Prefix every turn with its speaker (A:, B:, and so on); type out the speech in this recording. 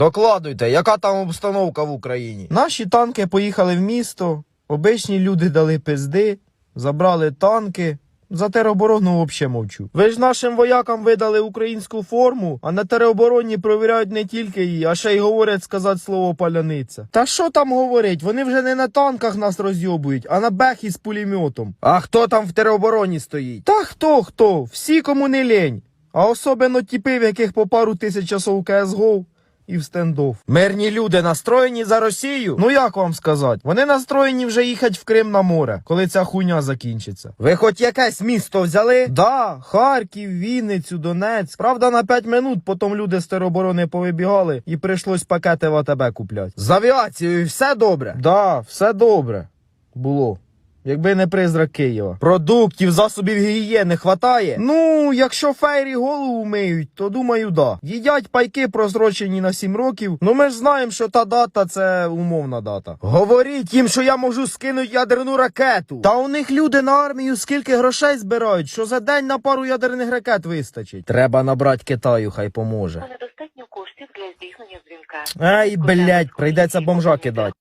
A: Докладуйте, яка там обстановка в Україні? Наші танки поїхали в місто, обичні люди дали пизди, забрали танки. За тероборону взагалі мовчу. Ви ж нашим воякам видали українську форму, а на теробороні провіряють не тільки її, а ще й говорять сказати слово паляниця. Та що там говорить? Вони вже не на танках нас розйобують, а на бехі з пулеметом. А хто там в теробороні стоїть? Та хто? Всі, кому не лень. А особливо тіпи, в яких по пару тисяч часов у CSGO і в стендов. Мирні люди настроєні за Росію? Ну як вам сказати? Вони настроєні вже їхати в Крим на море, коли ця хуйня закінчиться. Ви хоч якесь місто взяли? Да, Харків, Вінницю, Донецьк. Правда, на 5 минут потім люди з тероборони повибігали і прийшлось пакети в АТБ купляти. З авіацією все добре? Да, все добре. Було. Якби не призрак Києва. Продуктів, засобів гігієни хватає? Ну, якщо фейрі голову миють, то думаю, да. Їдять пайки просрочені на 7 років. Ну ми ж знаємо, що та дата це умовна дата. Говоріть їм, що я можу скинути ядерну ракету. Та у них люди на армію скільки грошей збирають, що за день на пару ядерних ракет вистачить. Треба набрати Китаю, хай поможе.
B: Недостатньо коштів для здійснення дзвінка.
A: Ай, блядь, прийдеться бомжа кидати.